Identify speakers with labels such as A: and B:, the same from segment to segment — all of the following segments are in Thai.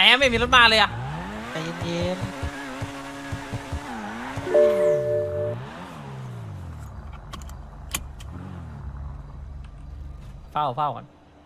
A: อะไม่มีรถมาเลยอะ
B: ใจเย็น
A: เฝ้าก่อน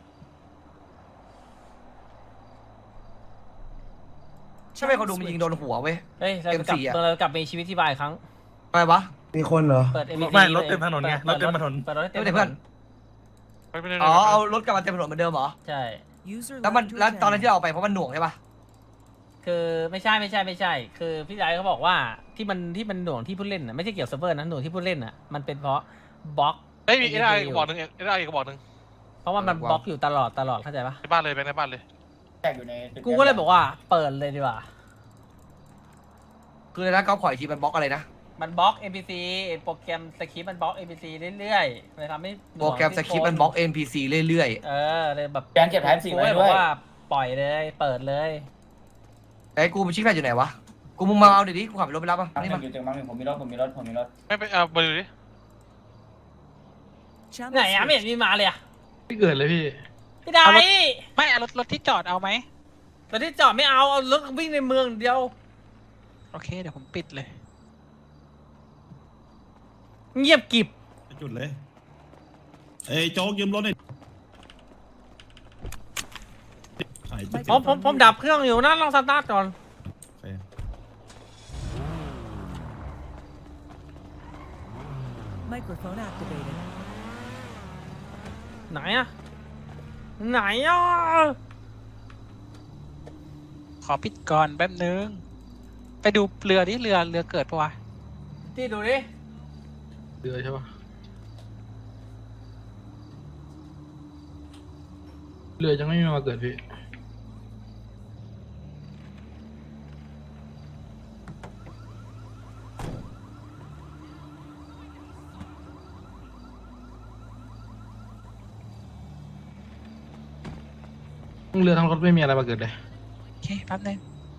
C: ใช่ไหมคนดูมันยิงโดนหัวเว้ย
A: เฮ้ยเรากลับมีชีวิตที่บายอีกครั้ง
C: อะไรวะ
D: มีคนเหรอ
A: เปิด MVP
E: ไม่รถเต็มถนนไงรถเต็มถนน
A: เปิดรถให้เต็ม
C: ไม่ได้เพื่อน อ๋อเอารถกลับมาเต็มถนนเหมือนเดิมเหรอ
A: ใช่
C: แล้วตอนนั้นที่เราเอาไปเพราะมันหน่วงใช่ปะ
A: คือไม่ใช่คือพี่ไดเขาบอกว่าที่มันหน่วงที่ผู้เล่นน่ะไม่ใช่เกี่ยวกับเซิร์ฟเวอร์นะหน่วงที่ผู้เล่นน่ะมันเป็นเพราะบล็อก
F: เฮ้ยมีเอไอบอกหนึ่งเอไอก็บอกหนึ่ง
A: เพราะว่ามันบล็อกอยู่ตลอดเข้าใจปะ
F: ในบ้านเลยแบงค์ในบ้านเลย
G: แตกอยู่ในตึ
A: กูก็เลยบอกว่าเปิดเลยดีกว่า
C: คือแล้วก็ขออีกทีมันบล็อกอะไรนะ
A: มันบล็อก NPC โปรแกรมสคริปต์มันบล็อก NPC เรื่อยๆเลยทำให้หน่วง
C: โปรแกรมสคริปต์มันบล็อก NPC เรื่อย
A: เลยแบบ
G: แกนเก็บแทนสี่ไว้
A: กู
G: ด้
A: บ
G: ว
A: อย กว่าปล่อยเลยเปิดเลย
C: ๆไอ้กูไปชิคแพดอยู่ไหนวะกูมึงมาเอาดิกูขับรถไปรับป่ะ
G: มั้งห
C: นี่
G: นึ่
C: มาง
G: อยู่ตึงมั้งหนึ่งผมมีรถ
F: ไม่ไปบริษัทดิ
A: ไหนอะไม่เห็นมีมาเลยอะ
E: ไม่เกิดเลยพี่
A: พี่ได
B: ไม่เอารถที่จอดเอาไหม
A: ตอนที่จอดไม่เอารถวิ่งในเมืองเดียว
B: โอเคเดี๋ยวผมปิดเลย
A: เงียบกริบ
H: จุดเลยเอ้ยโจ๊กยืมรถหน่อยขายจุด
A: ผมดับเครื่องอยู่นะลองสตาร์ทก่อน
H: โอเค
I: Microphone activated.
A: ไหนอะไหนอะ
B: ขอปิดก่อนแป๊บนึงไปดูเรือดิเรือเกิดปะวะ
A: ที่ดูดิ
E: เรือใช่ปะเรือยังไม่มาเกิดพี่ทั้งเรือทั้งรถไม่มีอะไรมาเกิดเลย
B: โอเคแป๊บนึง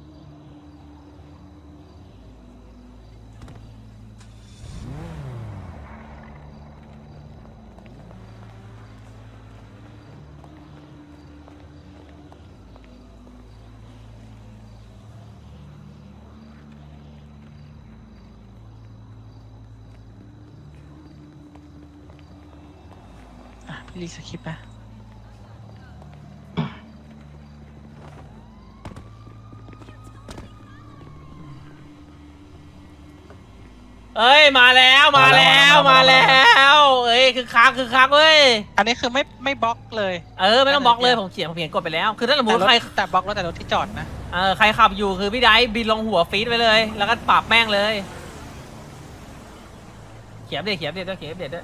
B: พี่รีสคริปต์นะ
A: เอ้ยมาแล้วเอ้ยคือคักเว้ย
B: อันนี้คือไม่บล็อกเลย
A: ไม่ต้องบล็อกเลยผมเขียนกดไปแล้วคือถ้าสมมติใคร
B: แต่บล็อกแล้วแต่รถที่จอดนะ
A: ใครขับอยู่คือพี่ไดบินลงหัวฟีดไปเลยแล้วก็ปรับแม่งเลยเขียนเด็ดด้วย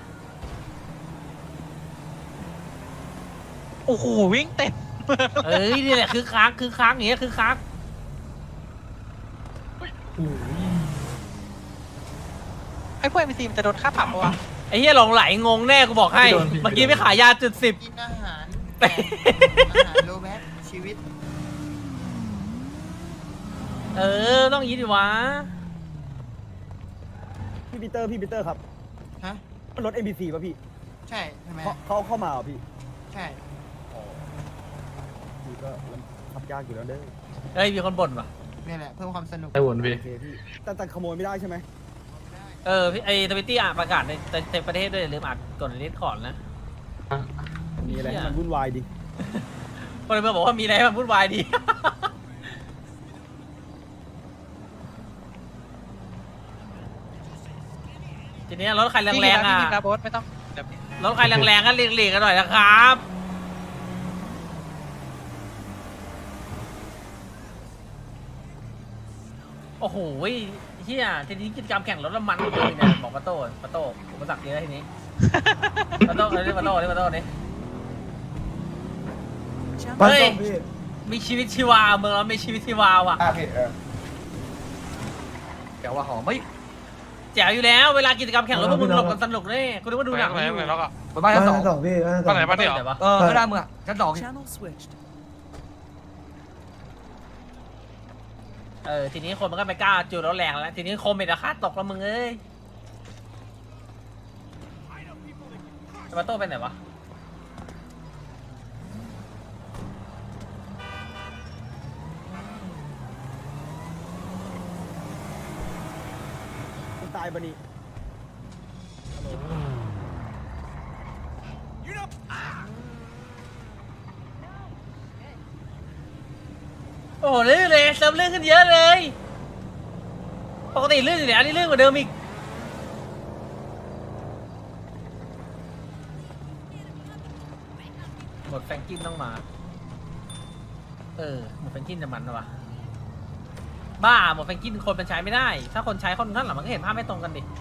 B: โอ้โหวิ่งเต็ม
A: นี่แหละคือคักอย่างเงี้ยคือคัก
B: ไอ้พวก NPC มันจะโดนค่าปรับปะวะ
A: ไอ้เหี้ยหลงไหลงงแน่กูบอกให้เมื่อกี้ไม่ขายยาจุด
J: กินอาหารอาหารโลแมสชีวิต
A: 10ต้องยี้ดิวะ
D: พี่ปีเตอร์ครับ
J: ฮะ
D: รถ NPC ป่ะพี่
J: ใช่ทำไม
D: เขาเข้ามาเหรอพี่
J: ใช่
D: พี่ก็มันขับยากอยู่แล้วเด้อ
A: มีคนบ่นว่ะ
J: นี่แหละเพิ่มความสนุก
E: ไอ้วนพี่
D: โอเคพี่แต่ขโมยไม่ได้ใช่ไหม
A: พี่ไอ้ทวิตตี้ประกาศในประเทศด้วยอย่าลืมอ่านกดลิสต์ก่อนนะ
D: มีอะไรให้มันวุ่นวายดิ
A: คนเลยบอกว่ามีอะไรให้มันวุ่นวายดี ทีนี้รถใครแรงๆ
B: พี่
A: อ่ะ
B: พิมพ์นะโบ๊ทไม่ต้องเดี๋ยว
A: รถใครแรงๆก็หลีกๆกันหน่อยนะครับ โอ้โหเฮียทีนี้กิจกรรมแข่งรถน้ำมันเลยเนี่ยบอกปาโต้อุปสรรคเยอะทีนี้ปาโต้นี่
D: บ้าน
A: เฮ้ย
D: ส้มพี่
A: มีชีวิตชีวาเมืองเรามีชีวิตชีวาว่ะ
G: พี่
C: แกว่าหอมไม่
A: แจ๋วอยู่แล้วเวลากิจกรรมแข่งรถพวกมึงหลบกันสนุกเลยคุณนึกว่าดูหนัง
F: ไหน
A: อยู่
F: ไหนแล้วก็
C: ไปบ้านชั้นสอง
D: สองพี่บ้าน
F: บ้านไหนบ้านนี้เหรอ
A: แต่ว่า
C: ก็ได้มึงอ่ะชั้นสอง
I: Channel switched.
A: ทีนี้คนมันก็ไม่กล้าจูดรถแรงแล้วทีนี้โคมเมดราคาตกแล้วมึงเอ้ยปาโต้ไปไหนวะ
D: ตายปะนี่
A: โอ้โหลื่นเลยเซิร์ฟลื่นขึ้นเยอะเลยปกติลื่นอยู่แล้วนี่ลื่นกว่าเดิมอีกหมดแฟรงกินต้องมาหมดแฟรงกินจะมันวะบ้าหมดแฟรงกินคนมันใช้ไม่ได้ ถ้าคนใช้คนข้างหลังมันก็เห็นภาพไม่ตรงกันดิ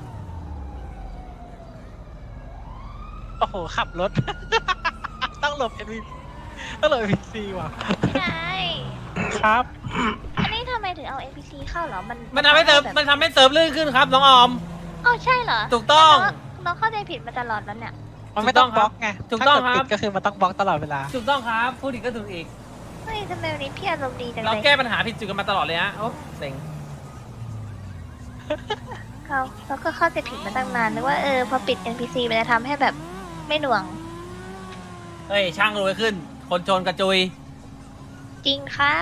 B: โอ้โหขับรถ ต้องหลบ NPC ต้องหลบ NPC ว่ะ
K: พี่นาย
B: ครับ
K: อันนี้ทำไมถึงเอา NPC เข้าเหรอ
A: มันทำให้เซิร์ฟมันทำให้เซิร์ฟลื่นขึ้นครับน้องออม
K: อ๋อใช่เหรอ
A: ถูกต้อง
K: เราเข้าใจผิดมาตลอดแล้วเนี่ย
B: มันไม่ต้องบล็อกไง
A: ถูกต้องครับ
B: ถ้าเกิดปิดก็คือมันต้องบล็อกตลอดเวลา
A: ถูกต้องครับพูดอีกก็ถูกอีก
K: เฮ้ยทำไมวันนี้พี่อารมณ์ดีจัง
A: เรา
K: เลย
A: แก้ปัญหาผิดจุดกันมาตลอดเลยฮะโอ้เซ็ง
K: เราก็เข้าใจผิดมาตั้งนานนึกว่าพอปิด NPC มันจะทำให้แบบไม่หน่วง
A: เฮ้ยช่างรวยขึ้น คนจนกระจุย
K: จริงครับ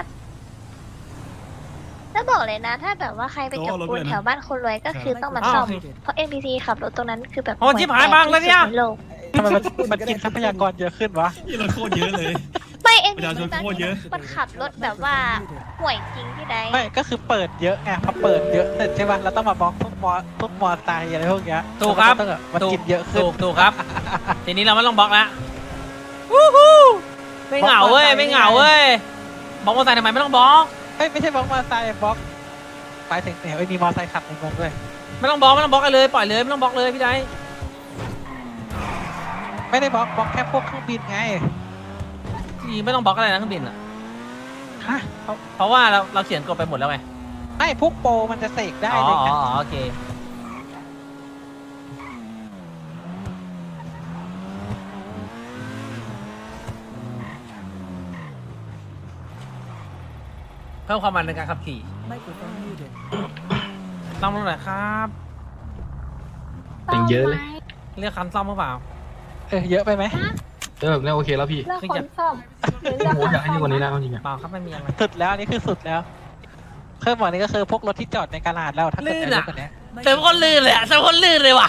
K: แล้วบอกเลยนะ ถ้าแบบว่าใครไปจับปูนแถวบ้านคนรวยก็คือต้องมาซ่อม เพราะ NPC ขับรถตรงนั้นคือแบบ
A: โอ้ชิบหายบ้างแล้วเนี่ย
K: ห่วแตกที่สุดในโลก
B: ทำไมมันกินทรัพยากรเยอะขึ้นวะ
H: นี่เราโคตรเยอะเลย
K: ไม่
H: ประชาชนโคตรเยอะ
K: มันขับรถแบบว่าห่วยจริงที่ใด
B: ไม่ก็คือเปิดเยอะไงพอเปิดเยอะเสร็จใช่ป่ะเราต้องมาบล็อกพวกมอไซค์อะไรพวกเนี้ย
A: ถูกครับ
B: มันกินเยอะขึ้น
A: ถูกครับ ทีนี้เราไม่ต้องบล็อกแล้ววู้ฮู้ไม่เหงาเว้ยไม่เหงาเว้ยบล็อกมอเตอร์ไซค์ทำไมไม่ต้องบล็อก
B: เฮ้ยไม่ใช่บล็อกมอไซค์บล็อกไปถึงเนี่ยมีมอไซค์ขับในเมืองด้วย
A: ไม่ต้องบล็อกกันเลยปล่อยเลยไม่ต้องบล็อกเลยพี่ได
B: ไม่ได้บล็อกแค่พวกเครื่องบินไง
A: พี่ไม่ต้องบล็อกอะไรนะเครื่องบินอ่ะ
B: ฮะ
A: เพราะว่าเราเขียนกฎไปหมดแล้วไง
B: ไม่พวกโปรมันจะเสกได้
A: อ๋อ
B: เลยไง
A: โอเคเพิ่มความมันในการขับขี่
I: Microphone muted.
A: ซ่อมรถหน่อยครับ
E: อย่างเยอะเลย
A: เรียกคันซ่อมหรือเปล่า
B: เยอะไปไหม
E: แบบนี้โอเคแล้วพี่
K: เลือกคนซ่อมหรือเลือก
E: โอ้อยากให้เยอะกว่านี้แล้วจริงๆอะ
A: เปล่าครับไม่มีอะไร
B: สุดแล้วอันนี่คือสุดแล้วเพิ่มหมดนี้ก็คือพวกรถที่จอดในกาลาดแล้วถ้าเกิด
A: ลื่น
B: เย
A: อะ
B: อะกว่านี้
A: เติมคนลื่นเลยอะเติมคนลื่นเลยว่ะ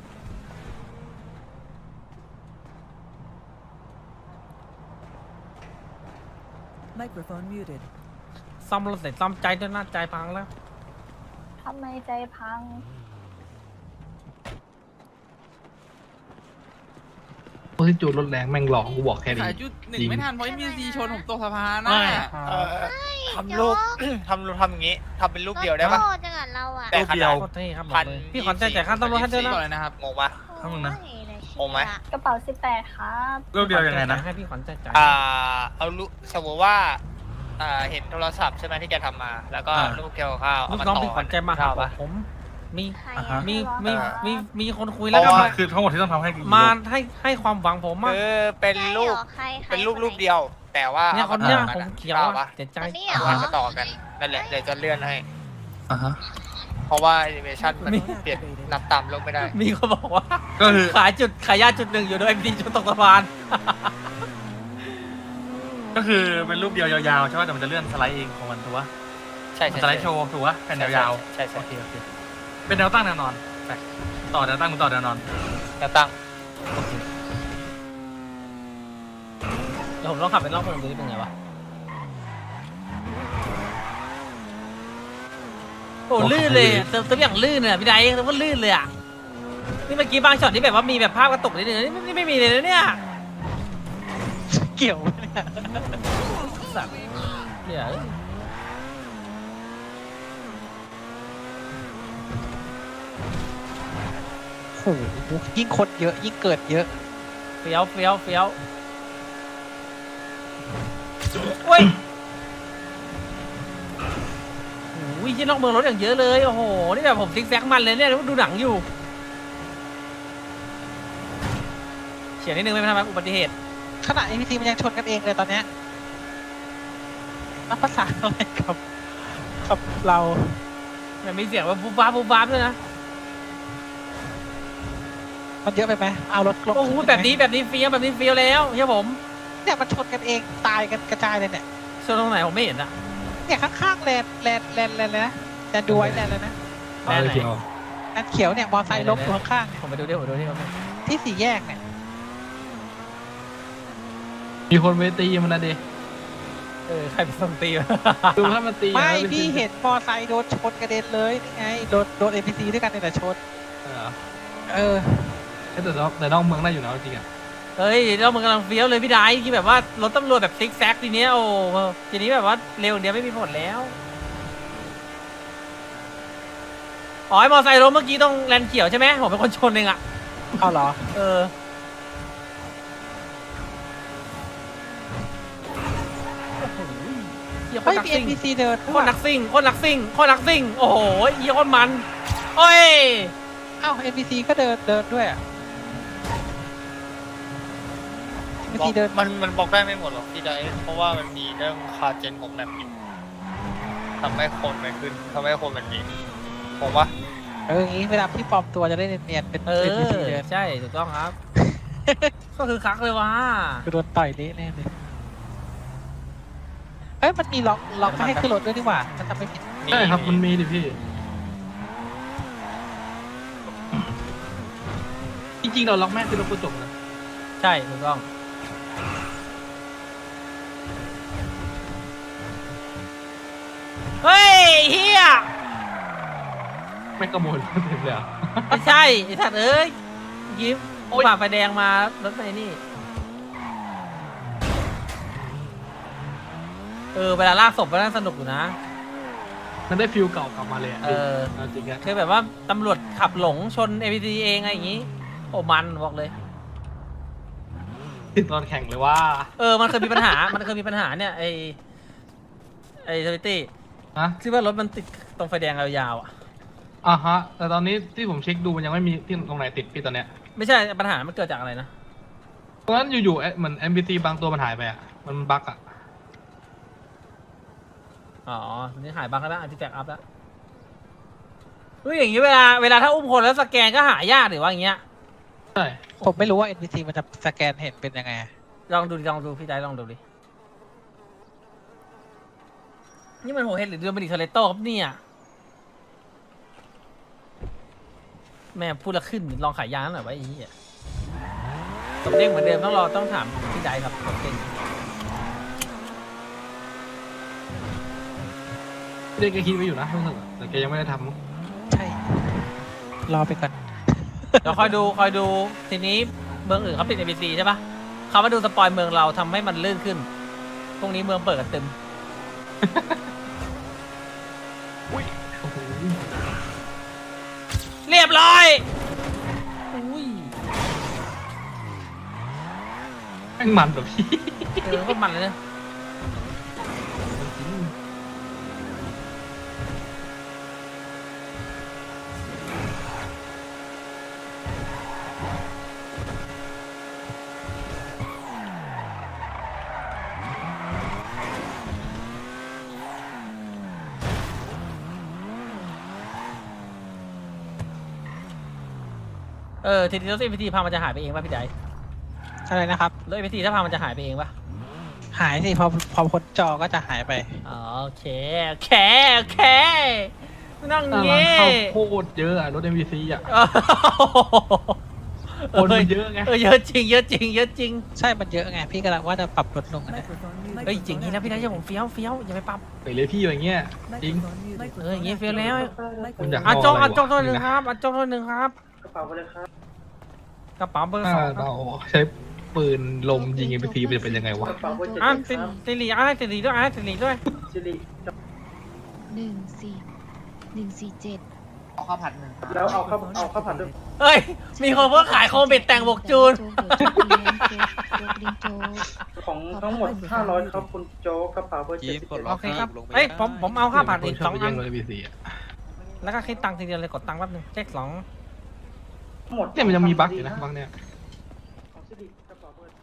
I: Microphone muted.
A: ซ่อมรถเสร็จซ่อมใจด้วยหน้าใจพังแล้ว
K: ทำไมใจพัง
E: พวกที่จูดรถแรงแม่งหลอกกูบอกแค่นี้
J: ขายจุดหนึ่ง
E: จริง
J: ไม่ทันเพราะมีซีชนผมตกสะพาน
F: ไม่
J: นะ
F: ทำรูปทำอย่างงี้ทำเป็นรูปเดียวได้ปะ
K: โง่จังอ่ะเราอ่ะ
F: แต่ขนาด
A: โคตรเท่ครับบอ
F: พั
A: ก
F: น
A: เลยพี่ขอจ่ายค่าต้นรถให้ด้วยนะ
J: ก่อนเลยนะครับ
F: งงปะ
K: โอ้ย
F: งงไหม
K: กระเป๋า18ครับ
A: รูปเดียวยังไงนะให้พี่ขวัญจ่าย
F: เอารูปสมมติว่าเห็นโทรศัพท์ใช่ไหมที่แกทำมา แล้วก็รูปเกี่ยวกับข้าว
A: ลู
F: เอา
A: ก
F: มา
A: น้อง
F: ต่อ
A: พี่ขวัญใจมาหา
F: ข้าวปะ
A: ผมมี
K: ใคร
A: มีคนคุยแล้วก็
F: เพราะว่า
H: คือทั้งหมดที่ต้องทำให้
A: มาให้ความหวังผมมาก
F: คือเป็นรูป
K: ใคร
F: เป็นรูปเดียว แต่ว่า
A: เนี่ยคนเนี้ยผมเขียว
F: ข้าว
A: อะ
F: ปะ
A: เจ็บใจ
K: อันนี้เหร
F: เอา
K: อ
F: มาต่อกันนั่นแหละเดี๋ยวจะเลื่อนให้
E: อ่ะฮะ
F: เพราะว่าแอนิเมชันมัน
A: มี
F: เปลี่ยนนับตามโลกไม่ได้
A: มีคนบอกว่า
H: ก็คือ
A: ขายยาจุดหนึ่งอยู่ด้วยพีจุดตกสะพาน
H: ก็คือเป็นรูปเดียวยาวๆใช่ไหมแต่มันจะเลื่อนสไลด์เองของมันถูกปะ
F: ใช่
H: มัน
F: ใช่
H: สไลด์โชว์ถูกปะแผ่นยาว
F: ใช่
H: ๆ
F: ใช่
H: โอเคเป็นแนวตั้งแนวนอนไปต่อแนวตั้งมึงต่อแนวนอน
F: แนวตั้ง
A: เดี๋ยวผมต้องขับไปรอบเมืองดูนี่เป็นไงวะโอ้ลื่นเลยอะเติมอย่างลื่นเลยอะพี่ไดเติมก็ลื่นเลยอ่ะนี่เมื่อกี้บางช็อตที่แบบว่ามีแบบภาพกระตุกนิดนึงนี่ไม่มีเลยนะเนี่ย
B: เกี่ยวไหมเนี่ย
A: สัตว์เนี่ย
B: โอ้โหยิ่งคนเยอะยิ่งเกิดเยอะ
A: เฟี้ยวโอ้ยโอ้ยที่นอกเมืองรถอย่างเยอะเลยโอ้โหนี่แบบผมซิกแซกมันเลยเนี่ยดูหนังอยู่เฉียดนิดนึงไม่เป็นไรอุบัติเหตุ
B: ขณะ NPC มันยังชนกันเองเลยตอนเนี้ยนับภาษาอะไรกับเรา
A: มันมีเสียงว่าบูบาบด้วยนะ
B: มันเยอะไปไหมเอารถลง
A: โอ้โหแบบนี้เฟี้ยวแล้วใช่ผม
B: เนี่ยมันชนกันเองตายกันกระจายเลยเนี่ย
A: ส่วนตรงไหนผมไม่เห็นอะ
B: เนี่ยข้างๆแลนเลยนะแลนดูไว้แลนเลยนะ
A: แลนไหน
E: เกี่ยว
B: นั่นเขียวเนี่ยมอไซค์ล้มอยู่ข้าง
A: ผมไปดูดิผมดูดิ
B: ๆที่สี่แยกเนี่ย
E: มีคนไปตีมันนะดิ
A: ใครเป็นคนตีวะ
E: ดูถ้ามันตี
B: ไม่
E: นะ
B: พี่เห็นมอไซค์โดนชนกระเด็นเลยนี่ไงโดน NPC ด้วยกันเนี่ยแต่ชน
E: แต่นอกเมืองได้อยู่นะจริงอ่ะ
A: เฮ้ยเรามันกำลังเฟี้ยวเลยพี่ไดที่แบบว่ารถตำรวจแบบซิกแซกทีเนี้ยโอ้ทีนี้แบบว่าเร็วอย่างเดียวไม่มีผลแล้วอ๋อไอ้มอไซค์ล้มเมื่อกี้ต้องแลนเขียวใช่ไหมผมเป็นคนชนเองอะ
B: เอาเหรอ
A: โอ้โหเหี้ยโค
B: เฮ้
A: ต
B: ย
A: รนัก
B: มี
A: ซิ่ง
B: NPC เดิน
A: โคตรนักซิ่งโคตรนักซิ่งโคตรนักซิ่งโอ้โหเหี้ยโคตรมันโอ้ย
B: เอ้า NPC ก็เดินด้วยอ่ะ NPC เดิน
F: มันบล็อกได้ไม่หมดหรอกพี่ไดเพราะว่ามันมีเรื่องคาเจนของแมปอยู่ทำให้คนมันขึ้นทำให้คนมันหนีผมว่า
B: อย่างงี้เวลาพี่ปลอมตัวจะได้เนียนๆเป็น NPC เดิน
A: ใช่ถูกต้องครับ ก็คือคักเลยว่ะ
B: คือโดนต่อยเละแน่เลยมันมีล็อกไม่ให้ขึ้นรถด้วยนี่หว่าถ้าจำไม่ผิด
E: ใช่ครับมันมีดิพี่ จริงๆเราล็อกแม่คือเราก็จบนะ
A: ใช่ถูกต้องเฮ้ยเฮีย
E: ไม่ขโมยรถเต็มเลยอ่ะ
A: ไม่ใช่ไอ้สัตว์เอ้ยยิ้มฝ่าไฟแดงมารถไฟนี่เวลาลากศพก็น่าสนุกอยู่นะ
E: มันได้ฟิลเก่ากลับมาเลยอ่ะจริงอ่ะ
A: คือแบบว่าตำรวจขับหลงชน APT เองอะไรอย่างงี้โอ้มันบอกเลย
E: ติดตอนแข่งเลยว่า
A: มันเคยมีปัญหา มันเคยมีปัญหาเนี่ยไอ้ทวิตตี้
E: ฮะ
A: ที่ว่ารถมันติดตรงไฟแดงยาวๆอ่ะ
E: ฮะแต่ตอนนี้ที่ผมเช็คดูมันยังไม่มีที่ตรงไหนติดพี่ตอนเนี้ย
A: ไม่ใช่ปัญหามันเกิดจากอะไรนะ
E: เพราะฉะนั้นอยู่ๆเหมือน NPC บางตัวมันหายไปอ่ะมันบั๊กอ่ะ
A: อ๋อนี่หายบั๊กแล้วอันที่แตกอัพแล้วเฮ้ยอย่างงี้เวลาถ้าอุ้มคนแล้วสแกนก็หายากหรือว่าอย่างเงี้ย
E: ใช่
B: ผมไม่รู้ว่า NPC มันจะสแกนเห็นเป็นยังไง
A: ลองดูพี่ได้ลองดูดินี่มันโหเฮดหรือเดือนบริคาเลโต้ครับเนี่ยแม่พูดละขึ้นลองขายยางหน่อยไว้ไอ้เหี้ยตบเด้งเหมือนเดิมต้องถามพี่ได้ครับตบเด้ง
E: เด็กแกคิดไว้อยู่นะรู้สึกแต่แกยังไม่ได้ทำ
B: ใช่ รอไปก่อน
A: เดี๋ยวคอยดูทีนี้เมืองอื่นเขาปิด NPC ใช่ปะเขามาดูสปอยเมืองเราทำให้มันลื่นขึ้นพรุ่งนี้เมืองเปิดกันเต็ม
E: โอ้โห
A: เรียบร้อยอุ้ย
E: แม่งมันแบบพี่
A: โคตรมันเลยนะทีนี้รถ APT พังมันจะหายไปเองป่ะพี่ได
B: อะไรนะครับ
A: รถ APT ถ้าพังมันจะหายไปเองป่ะ
B: หายสิ พอพ้นจอก็จะหายไป
A: โอเคไม่ต้อง
E: ร้าน
A: เงี้
E: ข้าวโพดเยอะอะรถ NPC อ่ะคนมันเยอะไง
A: เยอะจริง
B: ใช่ มันเยอะไง พี่กำลังว่าจะปรับลดลงนะ
A: เฮ้ยจริงนี่นะพี่ไดจะผมเฟี้ยวอย่าไปปรับ
E: ไปเลยพี่อย่างเงี้ยจริง
A: อย่างงี้เฟี้ยวแล้ว
E: คุณอยาก
A: จง
E: อะไรวะ
A: จงตัวหนึ่งครับจงตัวหนึ่งครับกระเป๋าเบอร์
E: ถ้า
A: 2
E: เราใช้ปืนลมยิง NPC มันจะเป็นยังไงวะ
A: สิริด้วย
J: 14147
C: เอาข้าวผัดหนึ่ง
D: แล้วเอาข้าวผัดด้วย
A: เฮ้ยมีคนเพิ่งขายโคมเบ็ดแต่งบวกจูน
D: ของทั้งหมด500ครับคุณโจ๊กกระเป๋าเบอร์
A: โอเคครับเฮ้ยผมเอาข้าวผัดอีก
E: ชอบ
A: 2
E: ไป
A: อั
E: แย่
A: น
E: งรถ NPC อ่ะ
A: แล้วก็คิดตังค์ทีเดียวเลยกดตังค์แป๊บนึงเช็ค2
D: หมด
E: เนี่ยมันยังมีบั๊กอยู่นะบั๊กเนี่ย
D: ของสิริกระเป๋าเบอร์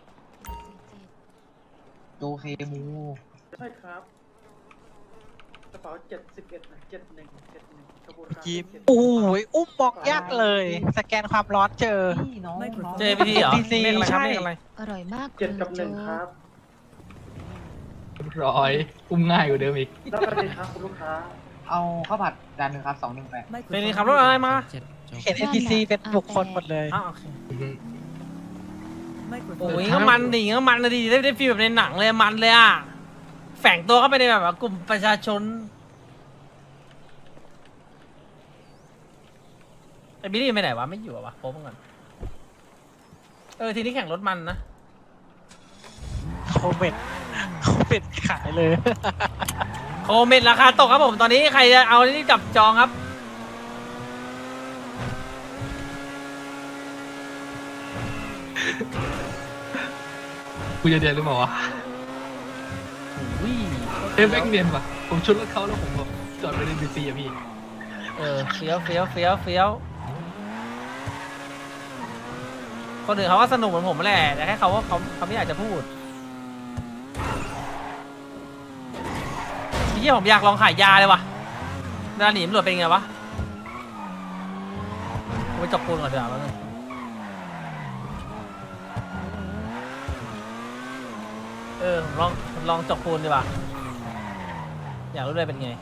C: โตเคมู
D: ใช่ครับกระเป๋า71นะ71ขบวนการ
B: โอ้ยอุ้มบอกยากเลย สแกนความร้อนเจอ
A: เจพีทีเหรอ
B: NPC
A: เลขอะไรครับ
B: ใช่
A: เลขอะไร
J: อร่อยมาก
D: 7กับ1ครับ
E: ร้อยอุ้มง่ายกว่าเดิมอีก
D: แล้วก็ดีครับคุณลูกค้า
J: เอาข้าวผัดจานหนึ่งครับ218
A: เป็นขับรถอะไรมา
B: เห็น NPC เป็นบุคคลหมดเลย
A: อ้าวโอเค
I: Microphone
A: โอ้ยก็มันดิก็มันดิได้ฟีลแบบในหนังเลยมันเลยอ่ะแฝงตัวเข้าไปในแบบว่ากลุ่มประชาชนไอ้บิลลี่ไปไหนวะไม่อยู่อะวะโป๊บก่อนทีนี้แข่งรถมันนะ
B: โคเมดขายเลย
A: โคเมดราคาตกครับผมตอนนี้ใครจะเอานี่จับจองครับ
E: กูจะเดียนหรือเปล่าวะ
A: อุ้ย
E: เอ้ยแม่งเนียนว่ะผมชนรถเขาแล้วผมแบบจอดไปในบีซีอะพี่
A: เฟี้ยวคนอื่นเขาก็สนุกเหมือนผมแหละแต่แค่เขาไม่อยากจะพูดที่ผมอยากลองขายยาเลยว่ะเวลาหนีตำรวจเป็นไงวะกูไปจับปูนก่อนเดี๋ยวแล้วนึงผมลองจับปูนดีกว่าอยากรู้เลยเป็นไง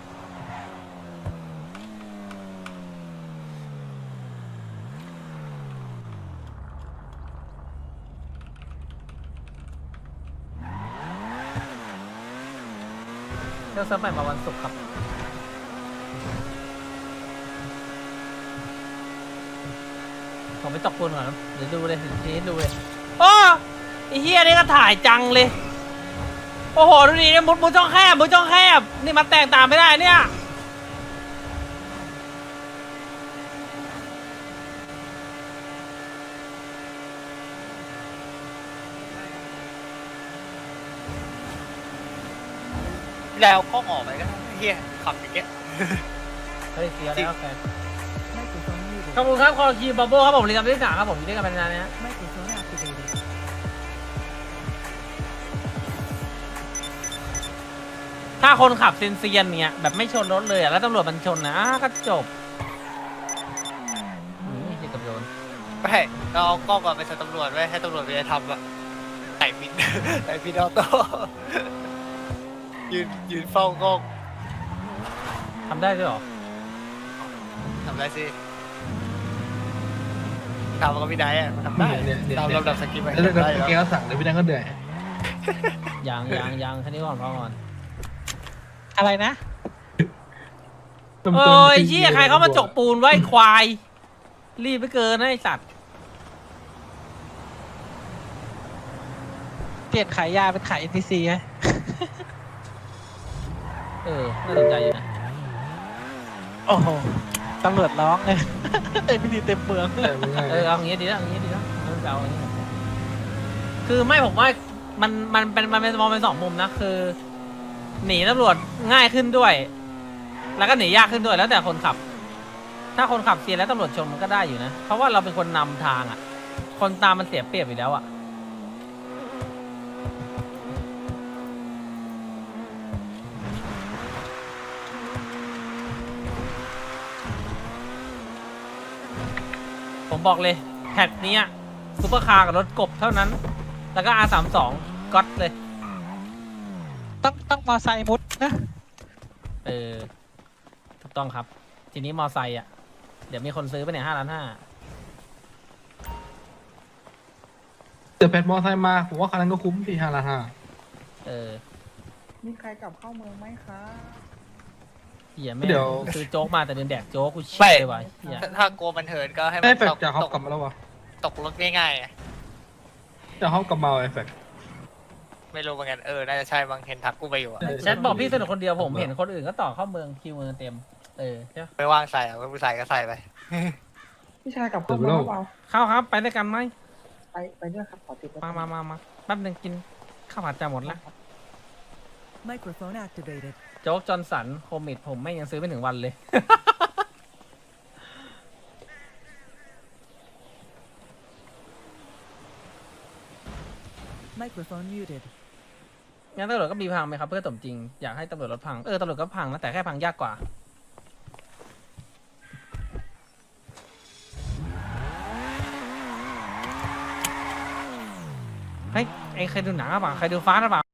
A: เที่ยวเซิร์ฟใหม่มาวันศุกร์ครับผมไปตกปูนก่อนนะเดี๋ยวดูเลยทีนี้ดูเลยโอ้ไอ้เฮียนี่ก็ถ่ายจังเลยโอ้โหดูดิเนี่ยมุดช่องแคบนี่มาแต่งตามไม่ได้เนี่ย
F: แล้วก็ออกไปก็เฮียขับอย่างเงี้ย
A: เฮ้ยเสียแล้วแฟน
I: Microphone muted.
A: ขอบคุณครับคอคีบับเบิ้ลครับผมเรียนจำที่สามครับผมอยู่ด้วยกันเป็นนานนะ
I: Microphone activated.
A: ถ้าคนขับเซียนๆเนี่ยแบบไม่ชนรถเลยอะแล้วตำรวจมันชนนะก็จบนี่กับโยน
F: ไม่เราเอากล้องก่อนไปใส่ตำรวจไว้ให้ตำรวจไปทำอะไต่บิน ไต่บินออโต้ ยืนเฝ้ากล้อง
A: ทำได้ด้วยเหรอ
F: ทำได้สิทำกับพี่ไนท์อะทำได้
E: เนี่ย
F: ตามลำดับสกิปต์ไป
E: แล้ว
F: ทำได้
E: แก
F: แล้ว
E: ก็สั่งเลยพี่นั่นก็เหนื่อย
A: ยังแค่นี้ก่อนพอก่อน
B: อะไรนะ
A: โอ้ยเหี้ยใครเขามาจกปูนไว้ควาย รีบไปเกินนะไอสัตว์
B: เปลี่ยนขายยาเป็นขาย NPC ไหม
A: น่าสนใจอยู่นะ
B: โอ้โหตำรวจร้องเลย NPC เต็มเมือง
A: เอาอย่างงี้ดีแล้วเอาอย่างงี้เอาอย่างงี้คือไม่ผมว่ามันเป็นมองเป็นสองมุมนะคือ หนีตำรวจง่ายขึ้นด้วย แล้วก็หนียากขึ้นด้วยแล้วแต่คนขับ ถ้าคนขับเซียนแล้วตำรวจชนมันก็ได้อยู่นะเพราะว่าเราเป็นคนนำทางอ่ะคนตามมันเสียเปรียบอยู่แล้วอ่ะผมบอกเลยแพทนี้ซุปเปอร์คาร์กับรถกบเท่านั้นแล้วก็ R32 ก๊อตเลย
B: ต้องมอไซค์มุดนะ
A: ถูกต้องครับทีนี้มอไซค์อ่ะเดี๋ยวมีคนซื้อไปเนี่ย5.5 ล้าน
E: เดี๋ยวแพทมอไซค์มาผมว่าคันนั้นก็คุ้มพี่5,500,000
J: มีใครกลับเข้าเมืองไหมคะ
A: เหี้ยแม่ง
E: เดี๋ยว
A: ซื้อโจ๊กมาแต่เดินแดกโจ๊กกูเชี่ยเลยว่ะเหี้ย
F: ถ้ากลัวมันเหินก็ให้มั
E: ไอ้
F: น
E: แฟกจากเขากลับมาแล้ววะ
F: ตกรถง่ายๆอะ
E: จากเขากลับมาไอ้แฟก
F: ไม่รู้เหมือนกันน่าจะใช่บางเห็นทักกูไปอยู่อะ
A: แชทบอกพี่สนุกคนเดียวผมเห็นคนอื่นก็ต่อเข้าเมืองคิวเมืองเต็มใช่ปะ
F: ไม่ว่างใส่อะไม่ใส่ก็ใส่ไป
J: พี่ชายกลับเข้าเมืองหรือเปล่า
A: เข้าครับไปด้วยกันไหม
J: ไปด้วยครับขอติด
A: มาแป๊บนึงกินข้าวผัดจะหมดแล้ว
I: Microphone activated.
A: โจ๊กจอห์นสันโคมิดผมไม่ยังซื้อไม่ถึงวันเลย
I: Microphone muted.
A: งั้นตำรวจก็มีพังไหมครับเพื่อสมจริงอยากให้ตำรวจรถพังตำรวจก็พังนะแต่แค่พังยากกว่าเฮ้ยไอ้ใครดูหนังหรือเปล่าใครดูฟ้าหรือเปล่า